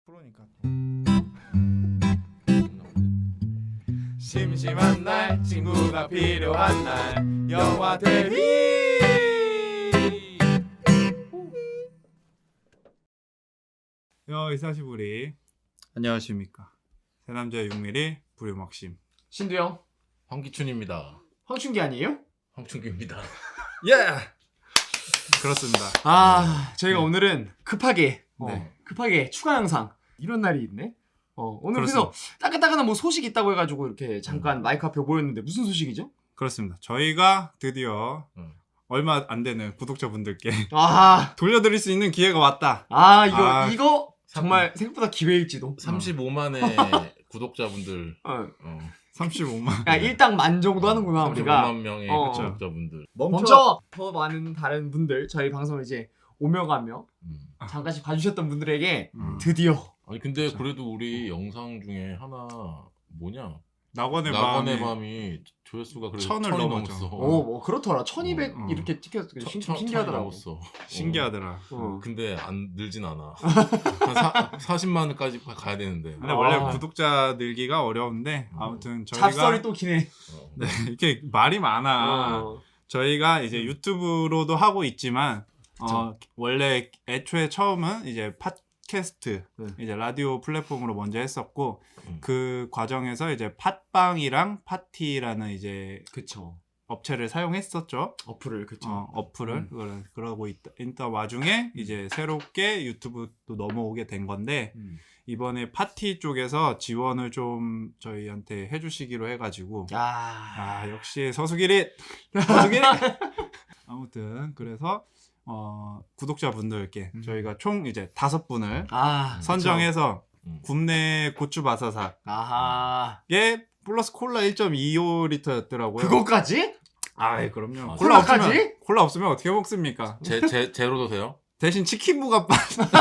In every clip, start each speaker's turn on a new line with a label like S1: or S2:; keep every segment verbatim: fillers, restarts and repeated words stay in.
S1: 프로니까. 심심한 날 친구가 필요한 날 영화 대휘. 여 이사시부리 안녕하십니까. 새남자의 육미리 부류먹심
S2: 신두영,
S3: 황기춘입니다.
S2: 황춘기 아니에요?
S3: 황춘기입니다.
S1: 예. 그렇습니다.
S2: 아, 저희가
S1: 네.
S2: 오늘은 급하게 어,
S1: 네.
S2: 급하게 추가 영상 이런 날이 있네. 어, 오늘
S1: 그렇습니다.
S2: 그래서 따끈따끈한 뭐 소식 있다고 해가지고 이렇게 잠깐
S3: 음.
S2: 마이크 앞에 모였는데 무슨 소식이죠?
S1: 그렇습니다. 저희가 드디어
S3: 음.
S1: 얼마 안 되는 구독자분들께
S2: 아,
S1: 돌려드릴 수 있는 기회가 왔다.
S2: 아 이거
S1: 아.
S2: 이거 정말 생각보다 기회일지도.
S3: 삼십오만의 구독자분들.
S2: 어,
S3: 어.
S1: 삼십오만.
S2: 야 일당 만 정도 하는구나 우리가.
S3: 삼십오만 명의
S2: 어.
S3: 구독자분들.
S2: 먼저 더 많은 다른 분들 저희 방송을 이제 오며 가며
S3: 음.
S2: 잠깐씩 봐주셨던 분들에게
S1: 음.
S2: 드디어
S3: 아니 근데
S1: 그쵸.
S3: 그래도 우리 영상 중에 하나 뭐냐?
S1: 낙원의
S3: 낙원의
S1: 밤이
S3: 밤이 조회수가 그래도
S1: 천을
S3: 천이
S1: 넘었죠.
S3: 넘었어.
S2: 어, 뭐 그렇더라. 천이백
S1: 어, 어.
S2: 이렇게 찍혔어.
S3: 천-
S2: 신,
S3: 천-
S2: 신기하더라고.
S3: 천이 넘었어.
S1: 신기하더라.
S2: 어.
S3: 근데 안 늘진 않아. 한 사, 사십만까지 가야 되는데.
S1: 근데 원래
S2: 아.
S1: 구독자 늘기가 어려운데
S3: 음.
S1: 아무튼 저희가
S2: 잡설이 또 기네.
S3: 어.
S1: 네, 이렇게 말이 많아.
S2: 어.
S1: 저희가 이제
S2: 음.
S1: 유튜브로도 하고 있지만 어, 원래 애초에 처음은 이제 팟캐스트
S2: 네.
S1: 이제 라디오 플랫폼으로 먼저 했었고
S3: 음.
S1: 그 과정에서 이제 팟빵이랑 파티라는 이제
S2: 그쵸.
S1: 업체를 사용했었죠.
S2: 어플을 그쵸.
S1: 어, 어플을
S2: 음.
S1: 그러, 그러고 있다, 있다 와중에 이제 새롭게 유튜브도 넘어오게 된 건데
S2: 음.
S1: 이번에 파티 쪽에서 지원을 좀 저희한테 해주시기로 해가지고
S2: 야.
S1: 아 역시 서수길이 서수길이 아무튼 그래서 어, 구독자분들께
S2: 음.
S1: 저희가 총 이제 다섯 분을
S2: 아. 그쵸.
S1: 선정해서
S3: 음.
S1: 굽네 고추바사삭에
S2: 아하.
S1: 플러스 콜라 일 점 이오 리터였더라고요.
S2: 그거까지?
S1: 아이 그럼요.
S3: 아,
S1: 콜라 없으면
S2: 콜라까지?
S1: 콜라 없으면 어떻게 먹습니까?
S3: 제, 제, 제로도 돼요?
S1: 대신 치킨 무갑반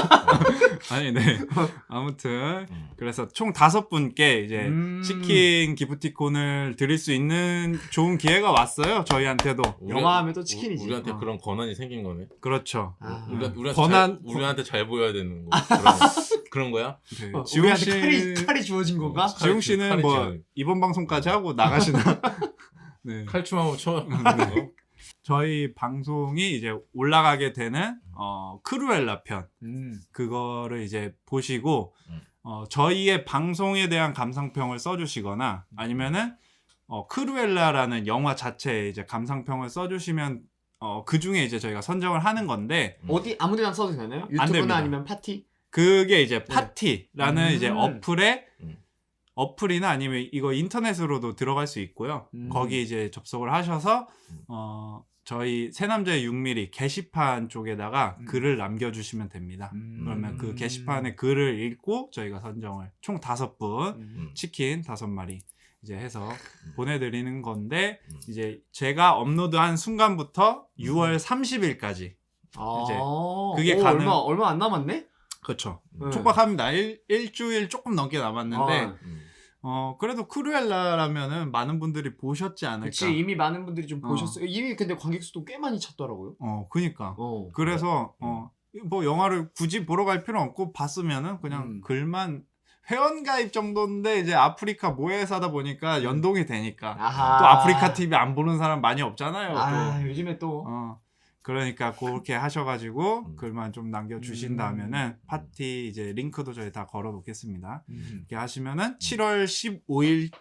S1: 아니 네 아무튼
S3: 음.
S1: 그래서 총 다섯 분께 이제
S2: 음.
S1: 치킨 기프티콘을 드릴 수 있는 좋은 기회가 왔어요 저희한테도.
S3: 우리-
S2: 영화 하면 또
S3: 우-
S2: 치킨이지.
S3: 우리한테
S1: 어.
S3: 그런 권한이 생긴 거네.
S1: 그렇죠.
S2: 아.
S3: 우리,
S1: 음.
S3: 우리한테,
S1: 권한-
S3: 잘, 우리한테 잘 보여야 되는 거. 그런, 그런 거야?
S1: 네.
S2: 어,
S1: 지웅
S2: 우리한테
S1: 씨
S2: 칼이 칼이 주어진 건가?
S3: 어,
S1: 지웅 씨는
S3: 칼이
S1: 뭐
S3: 지금-
S1: 이번 방송까지 하고 나가시나? 네.
S3: 칼춤 한번 쳐.
S1: 네. 저희 방송이 이제 올라가게 되는 어, 크루엘라 편
S2: 음.
S1: 그거를 이제 보시고
S3: 음.
S1: 어, 저희의 방송에 대한 감상평을 써주시거나 아니면은 어, 크루엘라라는 영화 자체에 이제 감상평을 써주시면 어, 그 중에 이제 저희가 선정을 하는 건데
S2: 어디 아무데나 써도 되나요?
S1: 됩니다.
S2: 유튜브나 아니면 파티?
S1: 그게 이제 파티라는
S2: 음.
S1: 이제 어플에
S3: 음.
S1: 어플이나 아니면 이거 인터넷으로도 들어갈 수 있고요.
S2: 음.
S1: 거기 이제 접속을 하셔서
S3: 음.
S1: 어, 저희 새남자의 육 미리 게시판 쪽에다가
S2: 음.
S1: 글을 남겨주시면 됩니다.
S2: 음.
S1: 그러면 그 게시판에 글을 읽고 저희가 선정을 총 다섯 분
S2: 음.
S1: 치킨 다섯 마리 이제 해서 보내드리는 건데
S3: 음.
S1: 이제 제가 업로드한 순간부터 유월 삼십일까지
S2: 아.
S1: 이제 그게
S2: 오,
S1: 가능-
S2: 얼마 얼마 안 남았네?
S1: 그렇죠.
S2: 네.
S1: 촉박합니다. 일, 일주일 조금 넘게 남았는데
S2: 아,
S3: 음.
S1: 어 그래도 크루엘라라면은 많은 분들이 보셨지 않을까.
S2: 그치 이미 많은 분들이 좀
S1: 어.
S2: 보셨어요. 이미 근데 관객 수도 꽤 많이 찼더라고요.
S1: 어 그니까.
S2: 어.
S1: 그래서 어 뭐 영화를 굳이 보러 갈 필요 없고 봤으면은 그냥
S2: 음.
S1: 글만 회원 가입 정도인데 이제 아프리카 모회사다 보니까 연동이 되니까
S2: 음. 아하.
S1: 또 아프리카 티비 안 보는 사람 많이 없잖아요.
S2: 아
S1: 또.
S2: 요즘에 또
S1: 어 그러니까 그렇게 하셔가지고
S3: 음.
S1: 글만 좀 남겨주신다면은
S2: 음.
S1: 파티 이제 링크도 저희 다 걸어놓겠습니다.
S2: 음.
S1: 이렇게 하시면은 칠월 십오일에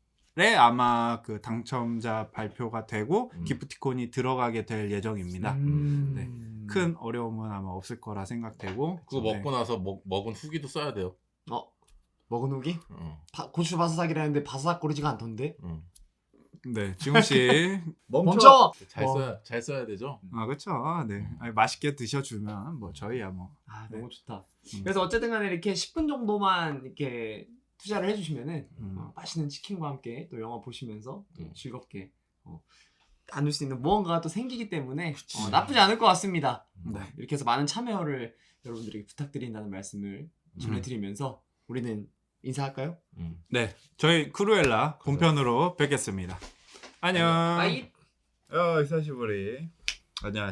S1: 아마 그 당첨자 발표가 되고
S3: 음.
S1: 기프티콘이 들어가게 될 예정입니다.
S2: 음.
S1: 네. 큰 어려움은 아마 없을 거라 생각되고
S3: 그거
S1: 네.
S3: 먹고 나서 먹, 먹은 후기도 써야 돼요.
S2: 어 먹은 후기?
S3: 어.
S2: 바, 고추 바사삭이라는데 바사삭거리지가 않던데.
S3: 어.
S1: 네 지웅 씨
S2: 멈춰.
S3: 잘
S2: 어.
S3: 써야 잘 써야 되죠.
S1: 아 그렇죠. 네 아니, 맛있게 드셔주면 뭐 저희야 뭐
S2: 아
S1: 네.
S2: 너무 좋다.
S1: 음.
S2: 그래서 어쨌든 간에 이렇게 십 분 정도만 이렇게 투자를 해주시면은
S1: 음.
S2: 어, 맛있는 치킨과 함께 또 영화 보시면서 또
S3: 음.
S2: 즐겁게 어, 나눌 수 있는 무언가가 또 생기기 때문에
S3: 그치.
S2: 어, 나쁘지 않을 것 같습니다.
S1: 네.
S2: 어, 이렇게 해서 많은 참여를 여러분들에게 부탁드린다는 말씀을 전해드리면서 우리는 인사할까요?
S3: 음.
S1: 네 저희 크루엘라 본편으로 뵙겠습니다. 안녕.
S2: 빠이.
S1: 어, 이사시부리.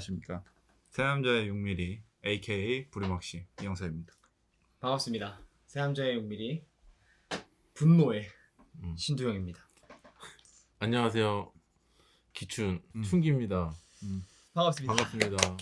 S1: 안녕하십니까. 새남자의 육 미리 에이케이 부리먹씨 이영사입니다.
S2: 반갑습니다. 세암자의 육 밀리미터 분노의
S3: 음.
S2: 신두영입니다.
S3: 안녕하세요. 기춘
S1: 음.
S3: 춘기입니다.
S2: 반갑습니다.
S3: 반갑습니다.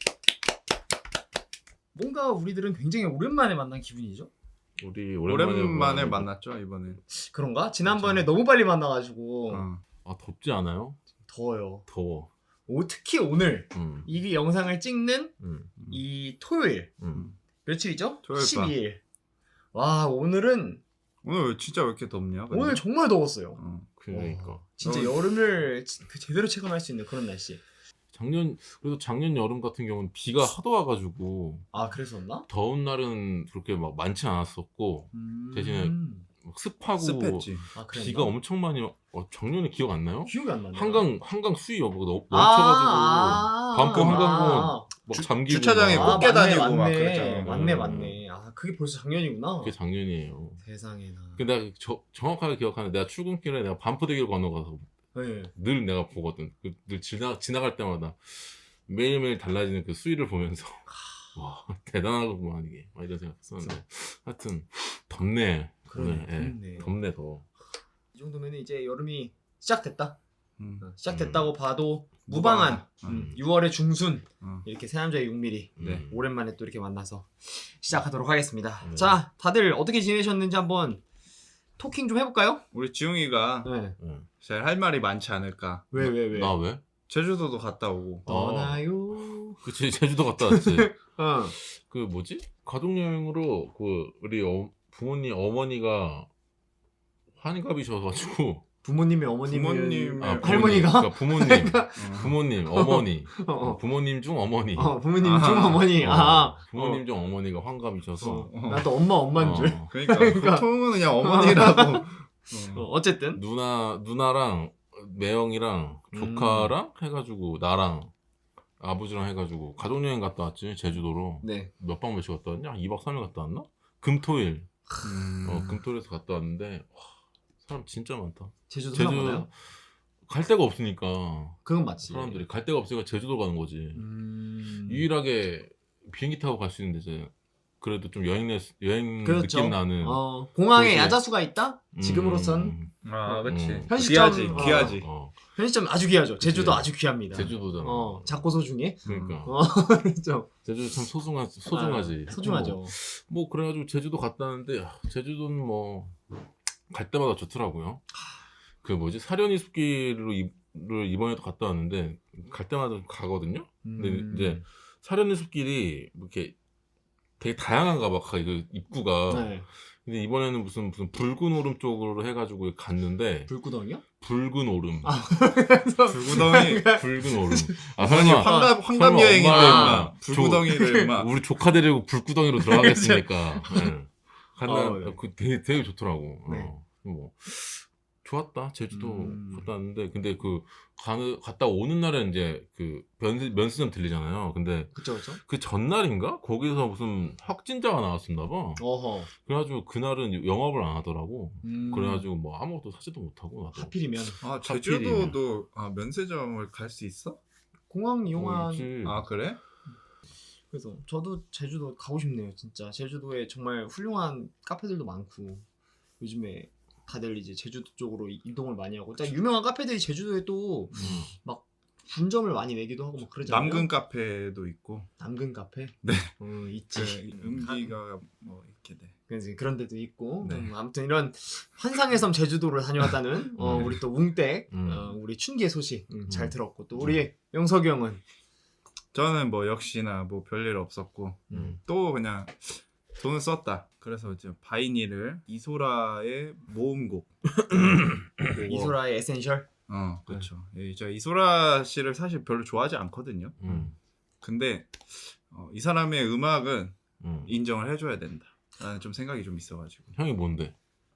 S2: 뭔가 우리들은 굉장히 오랜만에 만난 기분이죠?
S3: 우리 오랜만에,
S1: 오랜만에
S3: 만나는데-
S1: 만났죠 이번에.
S2: 그런가? 지난번에 너무 빨리 만나가지고
S1: 어.
S3: 아 덥지 않아요?
S2: 더워요.
S3: 더워.
S2: 오, 특히 오늘
S3: 음,
S2: 이 영상을 찍는
S3: 음,
S2: 이 토요일
S3: 음.
S2: 며칠이죠?
S1: 토요일 밤.
S2: 십이 일. 와 오늘은
S1: 오늘 진짜 왜 이렇게 덥냐? 근데?
S2: 오늘 정말 더웠어요.
S1: 어.
S3: 그러니까
S2: 진짜
S1: 어.
S2: 여름을 지- 그 제대로 체감할 수 있는 그런 날씨.
S3: 작년 그래도 작년 여름 같은 경우는 비가 하도 와가지고
S2: 아 그랬었나?
S3: 더운 날은 그렇게 막 많지 않았었고
S2: 음...
S3: 대신에 막 습하고
S1: 습했지.
S2: 아, 그랬나?
S3: 비가 엄청 많이 와- 어, 작년에 기억 안 나요?
S2: 기억이 안 나네.
S3: 한강 한강 수위 여부가 너무
S2: 아,
S3: 넘쳐가지고
S2: 아,
S3: 반포
S2: 아,
S3: 한강공원
S2: 아,
S3: 막
S1: 주-
S3: 잠기고
S1: 주차장에
S3: 막.
S1: 꼭
S2: 아,
S1: 깨
S2: 맞네,
S1: 다니고 막
S2: 맞네.
S1: 그랬잖아.
S2: 맞네,
S3: 음.
S2: 맞네. 아, 그게 벌써 작년이구나.
S3: 그게 작년이에요.
S2: 세상에나.
S3: 근데 내가 저, 정확하게 기억하는데 내가 출근길에 내가 반포대교를 건너가서
S2: 네.
S3: 늘 내가 보거든. 그, 늘 지나, 지나갈 때마다 매일매일 달라지는 그 수위를 보면서 와 대단하구만 이게 막 이런 생각했었는데 하여튼 덥네.
S2: 그러네,
S3: 오늘. 예,
S2: 덥네.
S3: 덥네 더.
S2: 이 정도면 이제 여름이 시작됐다.
S1: 음.
S2: 어, 시작됐다고 봐도 무방한
S1: 무방한.
S2: 음, 유월의 중순
S1: 어.
S2: 이렇게 새남자의 육 밀리미터
S1: 네.
S3: 음.
S2: 오랜만에 또 이렇게 만나서 시작하도록 하겠습니다.
S3: 네.
S2: 자, 다들 어떻게 지내셨는지 한번 토킹 좀 해볼까요?
S1: 우리 지웅이가
S2: 네.
S3: 응.
S1: 제일 할 말이 많지 않을까.
S2: 왜, 왜, 왜?
S3: 나 왜?
S1: 제주도도 갔다 오고.
S2: 떠나요.
S3: 그치 제주도 갔다 왔지.
S2: 어.
S3: 그 뭐지? 가족 여행으로 그 우리 어, 부모님 어머니가 환갑이셔가지고
S2: 부모님이 어머님이
S1: 부모님의
S3: 아,
S2: 네.
S3: 부모님,
S2: 할머니가?
S3: 그러니까 부모님
S1: 어.
S3: 부모님 어머니
S2: 어, 어.
S3: 부모님 중 어머니
S2: 어, 부모님
S1: 아하.
S2: 중 어머니.
S3: 어,
S2: 아,
S3: 부모님 중 어머니가 환갑이셔서
S2: 어.
S1: 어.
S2: 나도 엄마 엄마인 줄.
S3: 어,
S1: 그러니까,
S2: 그러니까.
S1: 보통은 그냥 어머니라고.
S2: 어,
S1: 어.
S2: 어쨌든
S3: 누나 누나랑 매형이랑 조카랑 해가지고 나랑 아버지랑 해가지고 가족 여행 갔다 왔지 제주도로.
S2: 네.
S3: 몇 박 며칠 갔다 왔냐? 이 박 삼 일 갔다 왔나? 금토일
S1: 음.
S3: 어 금토일에서 갔다 왔는데 와, 사람 진짜 많다.
S2: 제주도 사람
S3: 제주
S2: 많아요?
S3: 갈 데가 없으니까
S2: 그건 맞지.
S3: 사람들이 갈 데가 없으니까 제주도 가는 거지.
S2: 음...
S3: 유일하게 비행기 타고 갈 수 있는데 이제 그래도 좀 여행 내 여행
S2: 그렇죠.
S3: 느낌 나는.
S2: 어, 공항에
S3: 도시에-
S2: 야자수가 있다?
S3: 음,
S2: 지금으로선
S1: 아, 그치.
S3: 음.
S2: 현시점,
S1: 귀하지,
S2: 어.
S1: 귀하지.
S3: 어,
S2: 편의점 아주 귀하죠. 제주도
S3: 그치.
S2: 아주 귀합니다.
S3: 제주도잖아.
S2: 어, 작고 소중해.
S3: 그러니까
S2: 어, 그렇죠.
S3: 제주도 참 소중하 소중하지.
S2: 아, 소중하죠.
S3: 뭐, 뭐 그래가지고 제주도 갔다 왔는데 아, 제주도는 뭐 갈 때마다 좋더라고요. 그 뭐지 사려니 숲길로 이, 를 이번에도 갔다 왔는데 갈 때마다 가거든요. 근데
S2: 음.
S3: 이제 사려니 숲길이 뭐 이렇게 되게 다양한가 봐. 그 입구가.
S2: 네.
S3: 근데 이번에는 무슨 무슨 붉은 오름 쪽으로 해가지고 갔는데
S2: 불구덩이요?
S3: 붉은 오름.
S2: 아.
S1: 불구덩이.
S3: 붉은 오름. 아
S1: 아니,
S3: 설마
S1: 환갑, 환갑
S3: 설마
S1: 여행인데,
S3: 엄마
S1: 임마. 불구덩이를, 임마.
S3: 우리 조카 데리고 불구덩이로 들어가겠습니까? 네. 간다.
S2: 어, 네.
S3: 그 되게 되게 좋더라고.
S2: 네.
S3: 어, 뭐 좋았다. 제주도
S2: 음.
S3: 갔다 왔는데 근데 그 가는 갔다 오는 날에 이제 그 면, 면세점 들리잖아요. 근데
S2: 그쵸, 그쵸.
S3: 그 전날인가 거기서 무슨 확진자가 나왔었나 봐.
S2: 어허.
S3: 그래가지고 그날은 영업을 안 하더라고.
S2: 음.
S3: 그래가지고 뭐 아무것도 사지도 못하고 나도.
S2: 하필이면
S1: 아,
S3: 하필이면.
S1: 제주도도, 아, 면세점을 갈 수 있어?
S2: 공항 이용한.
S3: 어, 있지.
S1: 아, 그래?
S2: 그래서 저도 제주도 가고 싶네요, 진짜. 제주도에 정말 훌륭한 카페들도 많고 요즘에 다들 이제 제주도 쪽으로 이- 이동을 많이 하고, 딱 유명한 카페들이 제주도에 또
S3: 음.
S2: 분점을 많이 내기도 하고 막 그러잖아요.
S1: 남근 카페도 있고.
S2: 남근 카페.
S1: 네.
S2: 어,
S1: 그
S2: 있지.
S1: 음기가 뭐 이렇게 돼.
S2: 그래서 그런 데도 있고.
S1: 네.
S2: 음, 아무튼 이런 환상의 섬 제주도를 다녀왔다는 어,
S3: 음.
S2: 우리 또 웅댁,
S3: 음.
S2: 어, 우리 춘기의 소식 음, 잘
S3: 음.
S2: 들었고, 또 우리 영석이 형은
S1: 저는 뭐 역시나 뭐 별일 없었고
S3: 음.
S1: 또 그냥 돈을 썼다. 그래서 이제 바이니를 이소라의 모음곡. 그거-
S2: 이소라의 에센셜.
S1: 어, 그렇죠. 저 이소라 씨를 사실 별로 좋아하지 않거든요.
S3: 음.
S1: 근데 어, 이 사람의 음악은
S3: 음.
S1: 인정을 해줘야 된다. 라는 좀 생각이 좀 있어가지고.
S3: 형이 뭔데?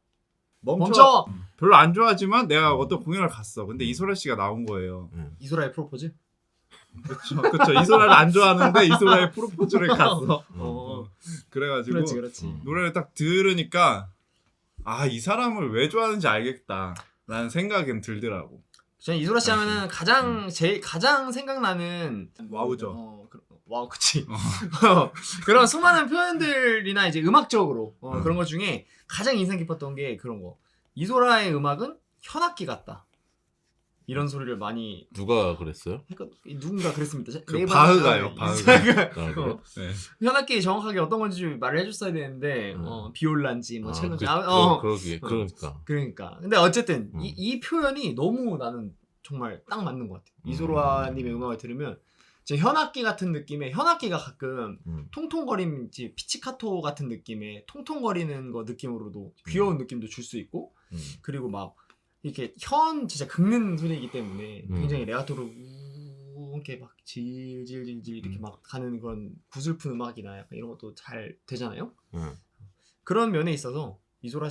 S1: 멈춰.
S2: 멈춰.
S1: 별로 안 좋아하지만 내가 어떤 공연을 갔어. 근데 이소라 씨가 나온 거예요.
S3: 음.
S2: 이소라의 프로포즈.
S1: 그렇죠, 그렇죠. 이소라를 안 좋아하는데 이소라의 프로포즈를 갔어.
S2: 어,
S1: 그래가지고
S2: 그렇지, 그렇지.
S3: 음.
S1: 노래를 딱 들으니까 아, 이 사람을 왜 좋아하는지 알겠다라는 생각은 들더라고.
S2: 저는 이소라 씨 하면은 가장 제일 가장 생각나는
S1: 와우죠.
S2: 어, 그- 와, 그치. 어. 그런 수많은 표현들이나 이제 음악적으로 어,
S3: 음.
S2: 그런 것 중에 가장 인상 깊었던 게 그런 거. 이소라의 음악은 현악기 같다. 이런 소리를 많이
S3: 누가 그랬어요?
S2: 했거 누군가 그랬습니다.
S1: 그
S2: 네이버
S1: 바흐가요,
S2: 인스타그램.
S3: 아, 그래요?
S2: 어,
S1: 네.
S2: 현악기 정확하게 어떤 건지 말을 해줬어야 되는데
S3: 음.
S2: 어, 비올란지 뭐
S3: 아,
S2: 첼로인지
S3: 그,
S2: 아,
S3: 그,
S2: 어,
S3: 그러게,
S2: 어.
S3: 그러니까.
S2: 그러니까. 근데 어쨌든
S3: 음.
S2: 이, 이 표현이 너무 나는 정말 딱 맞는 것 같아요.
S3: 음.
S2: 이소라님의 음악을 들으면 제 현악기 같은 느낌의 현악기가 가끔
S3: 음.
S2: 통통거림, 이제 피치카토 같은 느낌의 통통거리는 거 느낌으로도 귀여운 느낌도 줄 수 있고
S3: 음.
S2: 그리고 막 이렇게 현 진짜 긁는 소리이기 때문에
S3: 음.
S2: 굉장히 레가토로 우 이렇게 막 질질질질 이렇게
S3: 음.
S2: 막 가는 그런 구슬픈 음악이나 약간 이런 것도 잘 되잖아요.
S3: 음.
S2: 그런 면에 있어서 이소라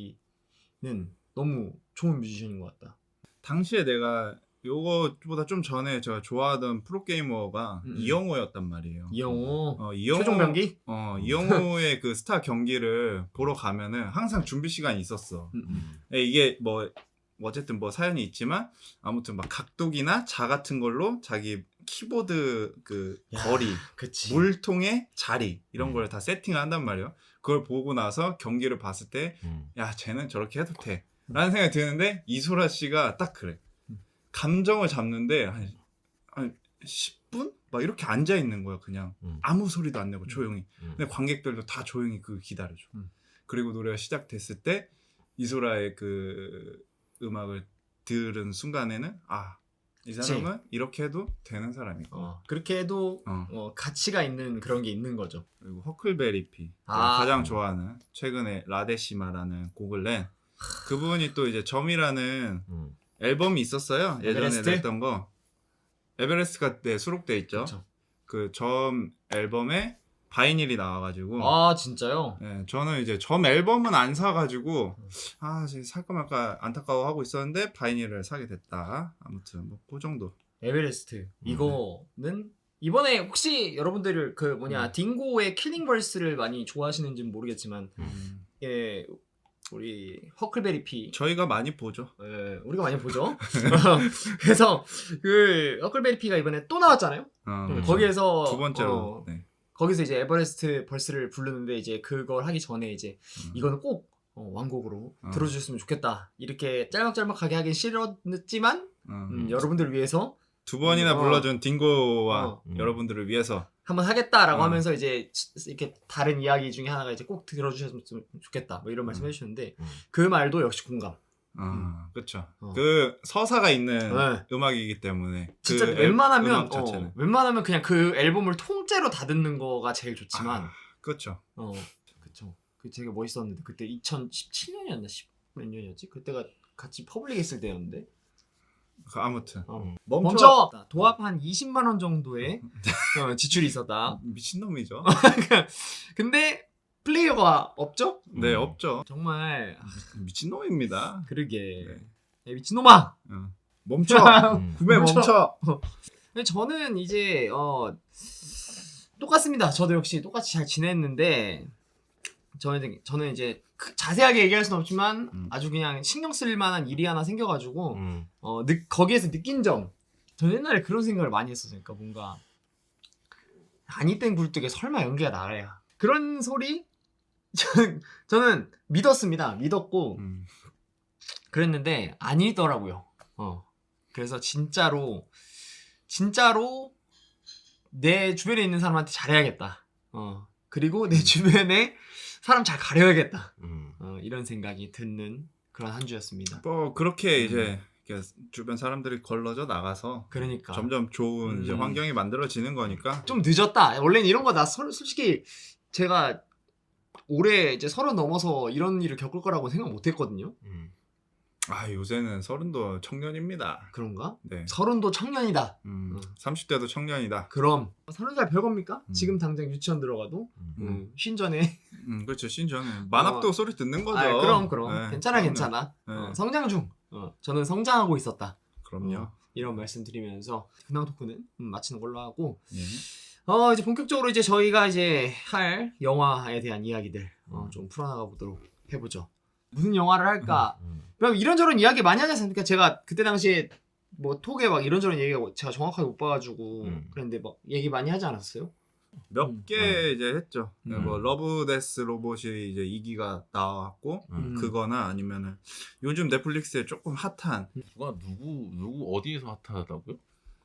S2: 씨는 너무 좋은 뮤지션인 것 같다.
S1: 당시에 내가 요거보다 좀 전에 제가 좋아하던 프로게이머가
S2: 음.
S1: 이영호였단 말이에요.
S2: 이영호,
S1: 어, 이영호
S2: 최종 병기.
S1: 어, 이영호의 그 스타 경기를 보러 가면은 항상 준비 시간이 있었어.
S2: 음, 음.
S1: 예, 이게 뭐 어쨌든 뭐 사연이 있지만 아무튼 막 각도기나 자 같은 걸로 자기 키보드 그
S2: 야,
S1: 거리,
S2: 그치.
S1: 물통의 자리 이런
S3: 음.
S1: 걸 다 세팅을 한단 말이에요. 그걸 보고 나서 경기를 봤을 때
S3: 음.
S1: 야, 쟤는 저렇게 해도 돼. 라는 생각이 드는데 이소라 씨가 딱 그래.
S2: 음.
S1: 감정을 잡는데 한, 한 십 분? 막 이렇게 앉아 있는 거야, 그냥.
S3: 음.
S1: 아무 소리도 안 내고 조용히.
S3: 음.
S1: 근데 관객들도 다 조용히 그 기다려줘.
S2: 음.
S1: 그리고 노래가 시작됐을 때 이소라의 그 음악을 들은 순간에는 아, 이 사람은 이렇게 해도 되는 사람이고.
S2: 어, 그렇게 해도
S1: 어.
S2: 어, 가치가 있는 그런 게 있는 거죠.
S1: 그리고 허클베리피.
S2: 아.
S1: 가장 좋아하는 최근에 라데시마라는 곡을 낸 그분이 또 이제 점이라는
S3: 음.
S1: 앨범이 있었어요. 예전에
S2: 에베레스트?
S1: 냈던 거. 에베레스트가 네, 수록돼 있죠.
S2: 그쵸.
S1: 그 점 앨범에 바이닐이 나와가지고
S2: 아 진짜요?
S1: 예, 저는 이제 점 앨범은 안 사가지고 아 지금 살까 말까 안타까워하고 있었는데 바이닐을 사게 됐다. 아무튼 뭐 그 정도.
S2: 에베레스트 이거는 이번에 혹시 여러분들 그 뭐냐
S1: 음.
S2: 딩고의 킬링 벌스를 많이 좋아하시는지는 모르겠지만
S1: 음.
S2: 예 우리 허클베리피
S1: 저희가 많이 보죠.
S2: 예, 우리가 많이 보죠. 그래서 그 허클베리피가 이번에 또 나왔잖아요.
S1: 어,
S3: 음.
S2: 거기에서
S1: 두 번째로.
S2: 어,
S1: 네.
S2: 거기서 이제 에버레스트 벌스를 부르는데 이제 그걸 하기 전에 이제
S1: 음.
S2: 이거는 꼭 어, 완곡으로
S1: 어.
S2: 들어주셨으면 좋겠다. 이렇게 짤막짤막하게 하긴 싫었지만
S1: 어.
S2: 음, 여러분들을 위해서
S1: 두 번이나
S2: 어.
S1: 불러준 딩고와
S2: 어.
S3: 음.
S1: 여러분들을 위해서
S2: 한번 하겠다라고
S1: 어.
S2: 하면서 이제 이렇게 다른 이야기 중에 하나가 이제 꼭 들어주셨으면 좋겠다. 뭐 이런 말씀
S1: 음.
S2: 해주셨는데
S3: 음.
S2: 그 말도 역시 공감.
S1: 아, 그렇죠.
S2: 어.
S1: 그 서사가 있는
S2: 네.
S1: 음악이기 때문에
S2: 진짜
S1: 그 앨-
S2: 웬만하면
S1: 음악
S2: 어,
S1: 자체는
S2: 웬만하면 그냥 그 앨범을 통째로 다 듣는 거가 제일 좋지만
S1: 아, 그렇죠.
S2: 어 그쵸. 그 되게 멋있었는데 그때 이천십칠 년이었나 십 몇 년이었지? 그때가 같이 퍼블릭 했을 때였는데
S1: 그 아무튼
S2: 어.
S1: 멈춰.
S2: 멈춰 도합 한 이십만 원 정도의 어, 지출이 있었다.
S1: 미친놈이죠.
S2: 근데 플레이어가 없죠?
S1: 네,
S3: 음.
S1: 없죠.
S2: 정말
S1: 미친놈입니다.
S2: 그러게
S1: 네.
S2: 야, 미친놈아.
S1: 어. 멈춰.
S3: 음.
S1: 구매
S2: 멈춰.
S1: 멈춰.
S2: 근데 저는 이제 어 똑같습니다. 저도 역시 똑같이 잘 지냈는데 저는 저는 이제 그 자세하게 얘기할 수는 없지만
S1: 음.
S2: 아주 그냥 신경 쓸 만한 일이 하나 생겨가지고
S3: 음.
S2: 어 느, 거기에서 느낀 점. 저는 옛날에 그런 생각을 많이 했었어요. 그러니까 뭔가 아니 땐 굴뚝에 설마 연기가 나야. 그런 소리 저는, 저는 믿었습니다. 믿었고
S1: 음.
S2: 그랬는데 아니더라고요. 어. 그래서 진짜로 진짜로 내 주변에 있는 사람한테 잘해야겠다. 어. 그리고 내 주변에 사람 잘 가려야겠다.
S3: 음.
S2: 어, 이런 생각이 드는 그런 한 주였습니다.
S1: 뭐 그렇게
S2: 음.
S1: 이제 이렇게 주변 사람들이 걸러져 나가서
S2: 그러니까
S1: 점점 좋은 이제
S2: 음.
S1: 환경이 만들어지는 거니까.
S2: 좀 늦었다. 원래는 이런 거 나 솔직히 제가 올해 이제 서른 넘어서 이런 일을 겪을 거라고 생각 못 했거든요.
S3: 음.
S1: 아, 요새는 서른도 청년입니다.
S2: 그런가?
S1: 네.
S2: 서른도 청년이다.
S1: 음,
S2: 음.
S1: 삼십 대도 청년이다.
S2: 그럼 서른 살 별겁니까?
S1: 음.
S2: 지금 당장 유치원 들어가도
S3: 음.
S2: 음, 쉰 전에
S1: 음, 그렇죠. 신전에 만학도
S2: 어.
S1: 소리 듣는 거죠.
S2: 아, 그럼 그럼
S1: 네,
S2: 괜찮아
S1: 그럼요.
S2: 괜찮아.
S1: 네.
S2: 어, 성장 중. 어, 저는 성장하고 있었다.
S1: 그럼요.
S2: 어, 이런 말씀 드리면서 근황 토크는 음, 마치는 걸로 하고
S1: 예.
S2: 어 이제 본격적으로 이제 저희가 이제 할 영화에 대한 이야기들 어, 좀 풀어나가 보도록 해보죠. 무슨 영화를 할까?
S3: 음.
S2: 그럼 이런저런 이야기 많이 하지 않습니까? 제가 그때 당시에 뭐 톡에 막 이런저런 얘기가 제가 정확하게 못 봐가지고
S3: 음.
S2: 그랬는데 막 얘기 많이 하지 않았어요?
S1: 몇
S2: 음.
S1: 개 이제 했죠.
S3: 음.
S1: 뭐 러브 데스 로봇이 이제 이 기가 나왔고
S3: 음.
S1: 그거나 아니면은 요즘 넷플릭스에 조금 핫한
S3: 누가 누구 누구 어디에서 핫하다고요?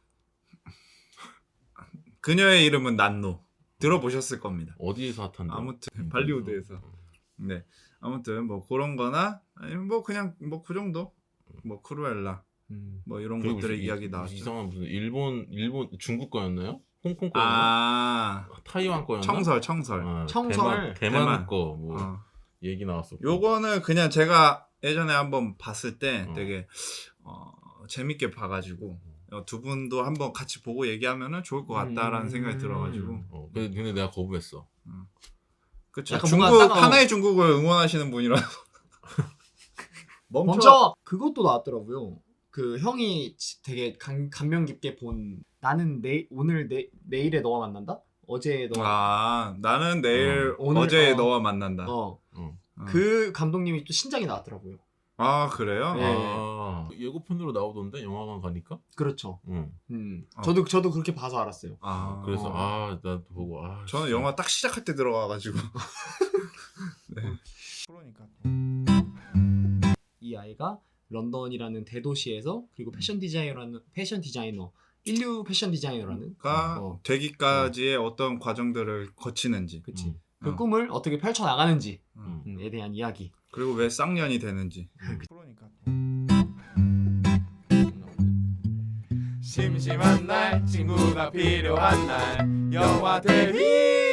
S1: 그녀의 이름은 난노 들어보셨을 겁니다.
S3: 어디에서 핫한데?
S1: 아무튼 발리우드에서. 네. 아무튼 뭐 그런 거나 아니면 뭐 그냥 뭐 그 정도. 뭐 크루엘라
S2: 음.
S1: 뭐 이런
S3: 그리고
S1: 것들의
S3: 무슨
S1: 이야기
S3: 이-
S1: 나왔죠.
S3: 이상한 무슨 일본 일본 중국 거였나요? 홍콩 거였나?
S1: 아
S3: 타이완 거였나?
S1: 청설 청설.
S3: 어,
S2: 청설.
S3: 대만, 대만
S1: 대만.
S3: 거뭐
S1: 어.
S3: 얘기 나왔었고.
S1: 요거는 그냥 제가 예전에 한번 봤을 때
S3: 어.
S1: 되게 어, 재밌게 봐가지고 어, 두 분도 한번 같이 보고 얘기하면은 좋을 것 같다라는
S2: 음.
S1: 생각이 들어가지고
S3: 어, 근데, 근데 내가 거부했어.
S1: 그쵸.
S2: 약간
S1: 중국
S2: 뭔가 따가워.
S1: 하나의 중국을 응원하시는 분이라서 멈춰.
S2: 멈춰! 그것도 나왔더라고요. 그 형이 지- 되게 감, 감명 깊게 본 나는 내 오늘 내 내일에 너와 만난다? 어제 너
S1: 아 나는 내일
S2: 어, 오늘,
S1: 어제
S2: 어.
S1: 너와 만난다.
S2: 어.
S3: 어.
S1: 어.
S2: 그 감독님이 또 신작이 나왔더라고요.
S1: 아 그래요?
S2: 네.
S3: 아, 예고편으로 나오던데 영화관 가니까.
S2: 그렇죠.
S3: 응.
S2: 음.
S1: 어.
S2: 저도 저도 그렇게 봐서 알았어요.
S1: 아
S3: 그래서
S2: 어.
S3: 아 나도 보고 아.
S1: 저는
S3: 진짜.
S1: 영화 딱 시작할 때 들어가가지고. 네. 그러니까.
S2: 이 아이가 런던이라는 대도시에서 그리고 패션 디자이너라는 패션 디자이너 인류 패션 디자이너라는
S1: 가
S2: 어.
S1: 되기까지의 어떤 과정들을 거치는지
S2: 그치
S3: 음.
S2: 그
S1: 어.
S2: 꿈을 어떻게 펼쳐 나가는지에
S3: 음.
S2: 대한 이야기.
S1: 그리고 왜 쌍년이 되는지. 그러니까. 심심한 날 친구가 필요한 날 영화 대리